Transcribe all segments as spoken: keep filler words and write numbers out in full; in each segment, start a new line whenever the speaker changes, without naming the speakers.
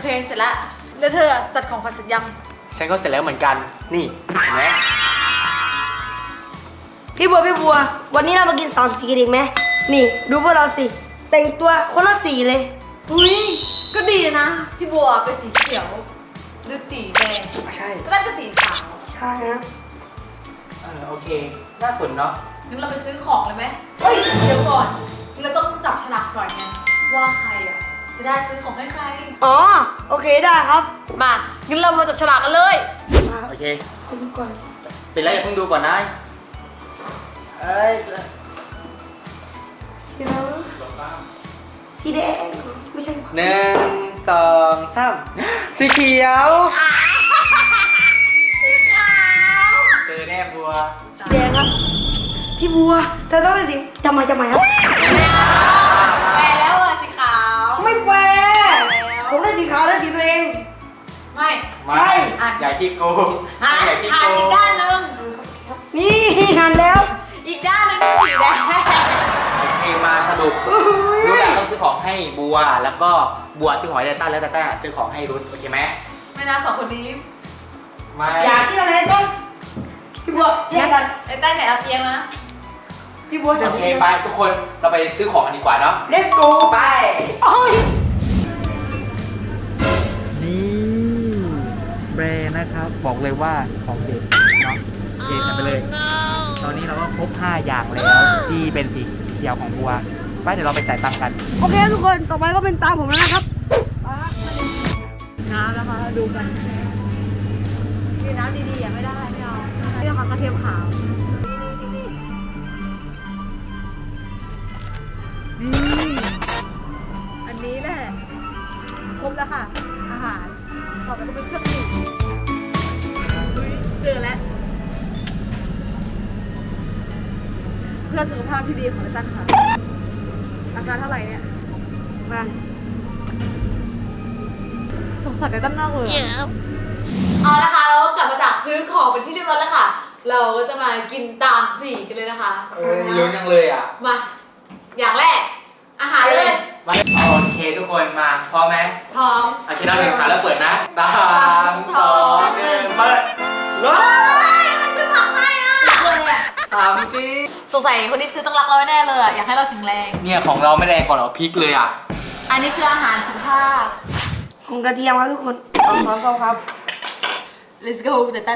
เคเสร็จแล้วแล้วเธอจัดของขวัญเสร็จยัง
ฉันก็เสร็จแล้วเหมือนกันนี่เห็นไหม
พี่บัวพี่บัว วันนี้เรามากินสามสีกันอีกไหมนี่ดูพวกเราสิแต่งตัวคนละสีเลย
อุ้ยก็ดีนะพี่บัวเป็นสีเขียวหรือสีแดง
ใช่
ก็ได้เป็นสีขาว
ใช่ฮะ
เออโอเคน่าสนเนาะ
งั้นเราไปซื้อของเลยไหมเฮ้ยเดี๋ยวก่อนเราต้องจับฉลากก่อนไงว่าใครอ่ะจะได้ซื้อของให้ใคร
อ๋อโอเคได้ครับ
มางั้นเรามาจับฉลากกันเลย
มา
โอเค
คุณดูก่อน
เป็นไรอย่าเพิ่งดูก่อนนะเอ้ย
สีอะไรวะสีแดงไม่ใช่
หนึ่งสองสามสีเขียวเจอแน่บัว
สีแดงครับ พี่บัวเธอต้องได้สีจำมาจำมาครับ
แปลแล้วอ่ะสีขาว
ไม่แฟร์ผมได้สีขาวได้สีตัวเอง
ไม่
ใช่
อย่าขี้โกง
หัน
อย่าขี้
หั
โก
นอี
ง
กด้านหนึง
นี่หันแล้ว
อีกด้านหนึงเป็นสีแดง
โอเคมาสรุป
โอ้โห
รู้แล้วต้องซื้อของให้บัวแล้วก็บัวซื้อของให้ไดต้าแล้วไดต้าซื้อของให้รุ้โอเคไหม
ไม่น่าสองคนนี้
ไม่
อยากกินอะไรต้นพี่บัวแยกกัน
ไอ้ใต้ไหนเอาเตียงนะ
พี่บัวจะ
โอเคไปทุกคนเราไปซื้อของกันดีกว่าเนาะ
let's go
ไป
โอ้ย
นี่แบรนด์นะครับบอกเลยว่าของเด็ดเนาะเด็ดกันไปเลย ตอนนี้เราก็ครบห้าอย่างแล้วที่เป็นสีเขียวของบัวไปเดี๋ยวเราไปจ่ายตังค์กัน
โอเคทุกคนต่อไปก็เป็นตามผมแล้วนะครับ
น้ำนะคะดูกันดีน้ำดีๆอย่าไม่ได้ไม่เอานี่นะคะกระเทียมขาวนี่อันนี้แหละครบแล้วค่ะอาหารต่อไปก็เป็นเครื่องดื่มอุ๊ยเจอแล้วเพื่อสุขภาพที่ดีของไอ้ตั้นค่ะราคาเท่าไหร่เนี่ย
มา
สงสารไอ้ตั้นมากเลยอะเอานะคะเราก็กลับมาจากซื้อของเป็นที่เรียบร้อยแล้วค่ะ เราก็จะมากินตามสีกันเลยนะคะ
เออลุ้นยังเลยอ่ะ
มา อย่างแรก อาหารเลย
มาโอเคทุกคนมาพร้อมไหม
พร้อม
อาชินาหนึ่งขาแล้วเปิดนะสามสองหนึ่งเปิดรถ
มันจะผักให้อ่ะ
สามสิ
สงสัยคนที่ซื้อต้องรักเราแน่เลยอะอยากให้เราแข็งแรง
เนี่ยของเราไม่แรงกว่าเราพริกเลยอ่ะ
อันนี้คืออาหารสุขภาพ
ของกระเทียมครับทุกคนเอาซอสส้มครับ
let's go แต่ตั้น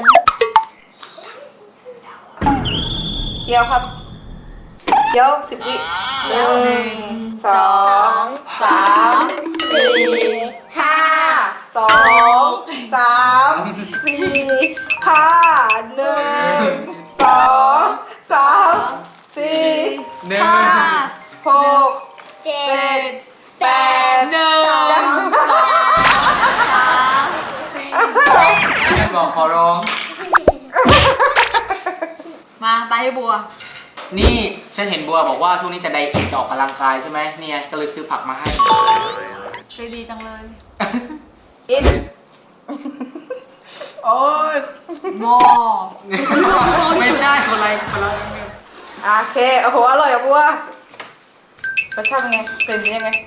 เคี้ยวครับเคี้ยวสิบวิหนึ่งสองสามสี่ห้าสองสามสี่ห้าหนึ่งสองสามสี่
หนึ่ง
ห้าหก
เจ็
เจ็ด
ด
แปด
หนึ่งสองสามสี่
แม่บอกขอร้อง
มาตายให้บัว
นี่ฉันเห็นบัวบอกว่าช่วงนี้จะไดเอทจะออกกำลังกายใช่ไหมเนี่ยก็เลยซื้อผักมาให้
ใจดีจังเลย
อิน
โอ้ย
หม้อ
ไม่ใช่คนไรคนละ
โอเคโอ้โหอร่อยอ่ะบัวรสชาติเป็นไงเป็นยังไง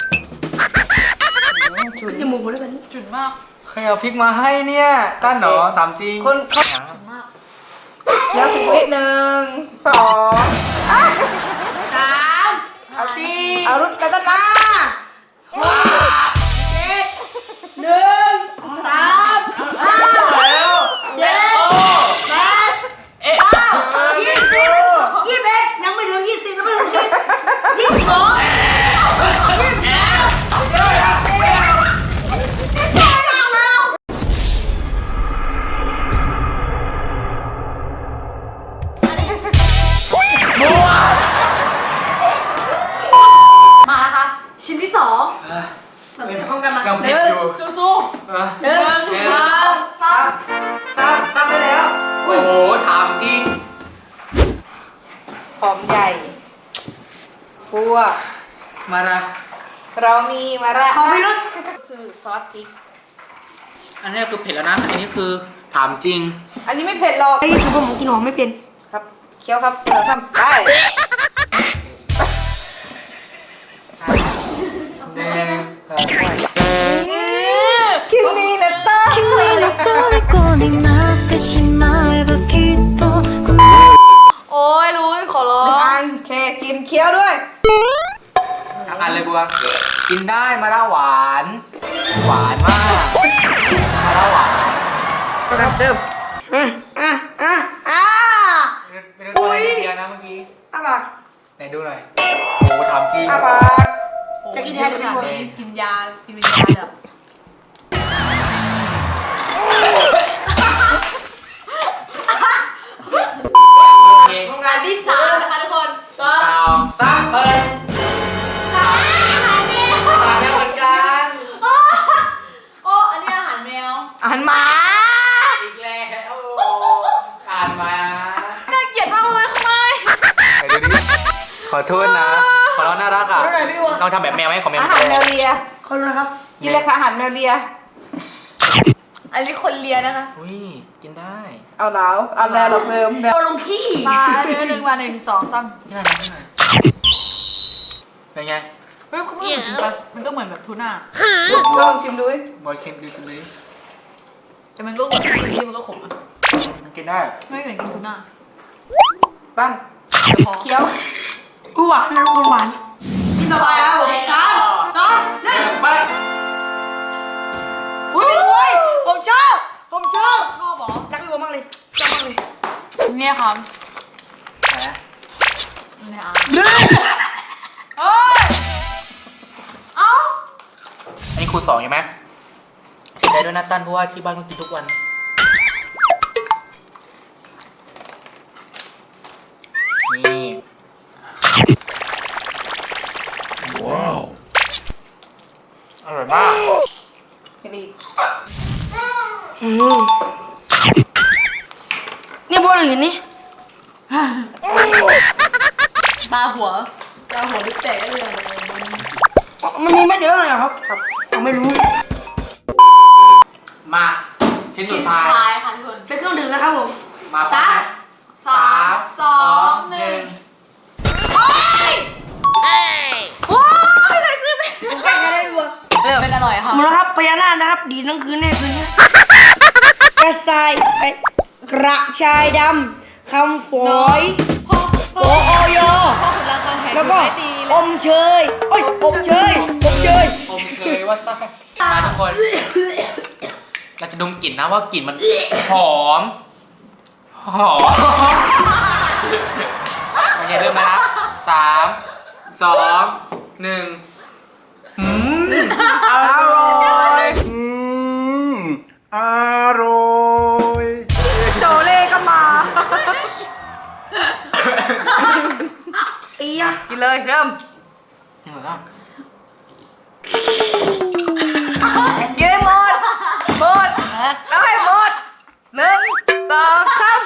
ฉุนจมูกเลยแบบนี้
จุดมาก
ใครเอาพริกมาให้เนี่ยตั้นเหรอถามจริง
คนเขา
จุดมาก
เคี้ยวสิบวิหนึ่งสอง
สาม
เอา
สี่
เอารุ่นไปตั้งหน้า
หกเจ็ดหนึ่งสามห้า
แล้ว
เจ็ดแปด
เอ๊ะ
เก้า
ยี่สิบยี่สิบเอ็ดยังไม่ถึงยี่สิบยังไม่ถึงสิบยี่สิบสอง
มาแล้วค่ะชิ้นที่สอง
พร้อมกันมา
ยัง
ห
ผิด
นึ่ง
อยู่
สู้
เออ
ๆหนึ่งสองสาม
ตั้งตั้งได้แล้ว
โอ้โหถามจริง
หอมใหญ่บัว
มาละ
เรามีมาระขอไม่รู้คือซอสพริก
อันนี้คือเผ็ดแล้วนะ อันนี้คือถามจริง
อันนี้ไม่เผ็ดหรอกไอ้คือผมกินหอมไม่เป็นครับเคี้ยวครับเดี๋ยวซ้ำไป
หนึ่ง
กิน
ได้มะระหวาน หวานมากมะระหวาน
ประกันเริ่มอ่ะอ่ะอ่ะอ่ะ
ไม่ได้ด้วยเดียวนะเมื่อกี้
อ่ะปาก
ไหนดูหน่อยโอ้ทำจริง
อ่ะปาก จะกินแทนหรือไม่
ข
กลัว
นาดนี้กินยา กินเป็นยาแบบ
โอเค
โรงงานที่สามนะคะทุกคนสอง
สาวสามเปิด
สามอาหารแมว
ตาแล้วเหมือนกัน
โอ้โอ้อันนี้อาหารแมว
อาหารหมา
อีกแล้วอ่านมา
น่าเกลียดมากเลยทำไม
ไหนดูดิขอโทษนะขอเราน่ารักอ่ะลองทำแบบแมวไหมของแมว
อาหารแมวเลียคนนะครับกินเลยค่ะอาหารแมวเลีย
อันนี้คนเลียนะคะ
อุ้ยกินได้
เอาแล้วเอาแล้วเราเริ่มเอาลงขี้
มาเนื้อหนึ่งมาหนึ่งสองสาม
นี่อะไรนี่อะไรเป็นไง
เฮ้ยคุณผู้ชมมันก็เหมือนแบบทูน่า
ลองชิมดูดิ
บอยชิมดูชิมดูดิ
แต่มันก็เหมือนกินที่มันก็ขมอ่ะ
มันกินได้
ไม่เหมือนกินทูน่า
ปั้น
เดี๋ยวพอ
เคี้ยวอู้หวานนะคนหวาน
กินสบายแล้วผมสามสองหนึ่ง
ไป
อุ้ยเป็นกล้วยผมชอบผมชอบ
ชอบเหรอ
รักพี่บัวมากเลยชอบมากเลย
เนี่ยครับ
ไหน
เนี่ยอ่ะ
เนื้อ
เอ้ยเอ้า
อันนี้ครูสองใช่ไหมเสียใจด้วยนะตั้นเพราะว่าที่บ้านต้องกินทุกวันนี่ว้าวอร่อยมาก
เห็นดีอืมนี่บัวหรือนี่
ตาหัวตาหัวดิแตกได้เลย
มันมีไม่เยอะเลยเหรอครับครับผมไม่รู้
มาชิ้นสุ
ชิ้
ด
นสุ
ท้า
ด
ย
ท้ายค่ะทุกคน
เป็นเครื่องดื่มนะครับผม
มาพร้อ
สาม ม
ไหม
สามสองหนึ่งโอ้ยโอ้ยใครซื้อไป
ผมใกล้จะได้บัว
เป็นอร่อยค่ะ
หมดแล้วครับพญานาคนะครับ ดีทั้งคืนแน่คืนนี้กระชายไอกระชายดำคำฝอย
พ่อ
โอโอยอ
พ่อคุณรักการแข่ง
แล้วก็
ไม่ดีเล
อย มเชยโอ้ยอบเชยอบเชย
ผมเคยว่าซ่ามาทุกคน เราจะดมกลิ่นนะว่ากลิ่นมันหอม หอมโอเคเริ่มมาแล้วสามสองหนึ่งอืมอร่อยอืมอร่อย
โชเล่ก็มาอีอะ
กินเลยเริ่ม
นี่เหรอ
เย้หมดหมดเอาให้หมดหนึ่งสองสาม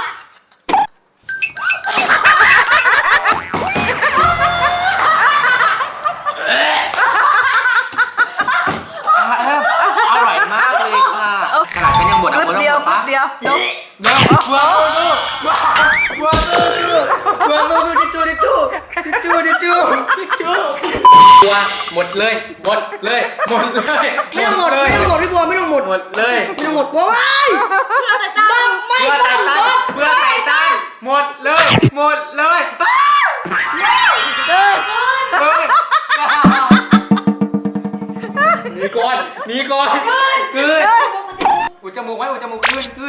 อร่อยมากเลยค่ะขนาดฉันยังบ่นอ่ะ
กึดเดียวกึดเดียว
เดี๋ยวว้าวว้าวว้าวว้าวว้าวดิจูดิจูดิจูดิจูดิจูตัวหมดเลยหมดเลยหมดเลย
ไม่ต้องหมดไม่ต้องหมดพี่บัวไม่ต้องหมด
หมดเลย
ไม่ต้องหมดบัวไม่
เพื่อแต่ตั้ง
ไม่
เพื่อ
ต้
ไท
องหม
ตัน
ด
เพื่อไทตันหมดเลยหมดเลย
เกิน
เฮ้ยหนีก่อนหนีก่อนกลืนอุดจมูกไว้อุดจมูกกลืนกลืน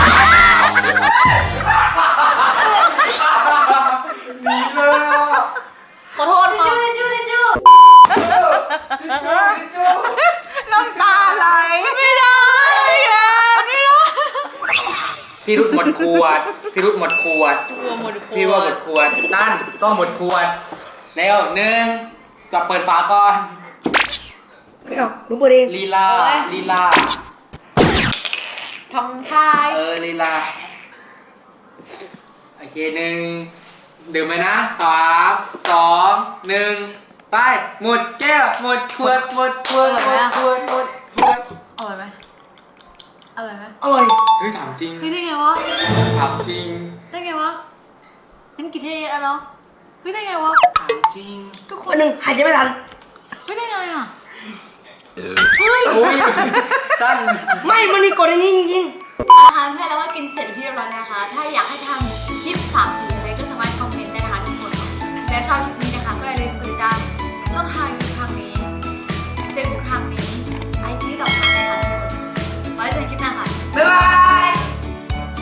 หนีเลยอ่ะ
ขอโทษค่ะทิชชู่ทิชชู่
น้ำตาไหล
ไม่ได้ไม่ได้ไม่ได้
พี่รุดหมดขวดพี่รุดหมดขวด
ชัวร์หมด
พี่ว่าหมดขวดตั้นก็หมดขวดแล้วหนึ่งกับเปิดฝาก่อน
ไม่เอาหนูเปิดเอง
ลีลาลีลา
ทำทาย
เออลีลาโอเคหนึ่งดื่มไปนะสามสองหนึ่งไปหมดแก้วหมดขวดหมดขวดหมดขวดหมดขวด
อร่อยไหมอร่อยไหม
อร่อย
เฮ้ยถามจริง
เฮ้ยได้ไงวะ
ถามจริง
ได้ไงวะนั่นกี่เทอะเนาะเฮ้ยได้ไงวะ
ถามจริง
ทุกค
วัน นหนึ่งหายใจไม่ทัน
เฮ้ยได้ไงอ่ะ
โอ้ยตั้น
ไม่มันมีกฎอย่างนี้จริง
นะคะเพื่อนเราก็กินเสร็จไปที่เรียบร้อยแล้วนะคะ ถ้าอยากให้ทำคลิปสามสีอะไรก็สามารถคอมเมนต์ได้นะคะทุกคนและชอบคลิปนี้นะคะก็อย่าลืมกดติดตามช่องทาง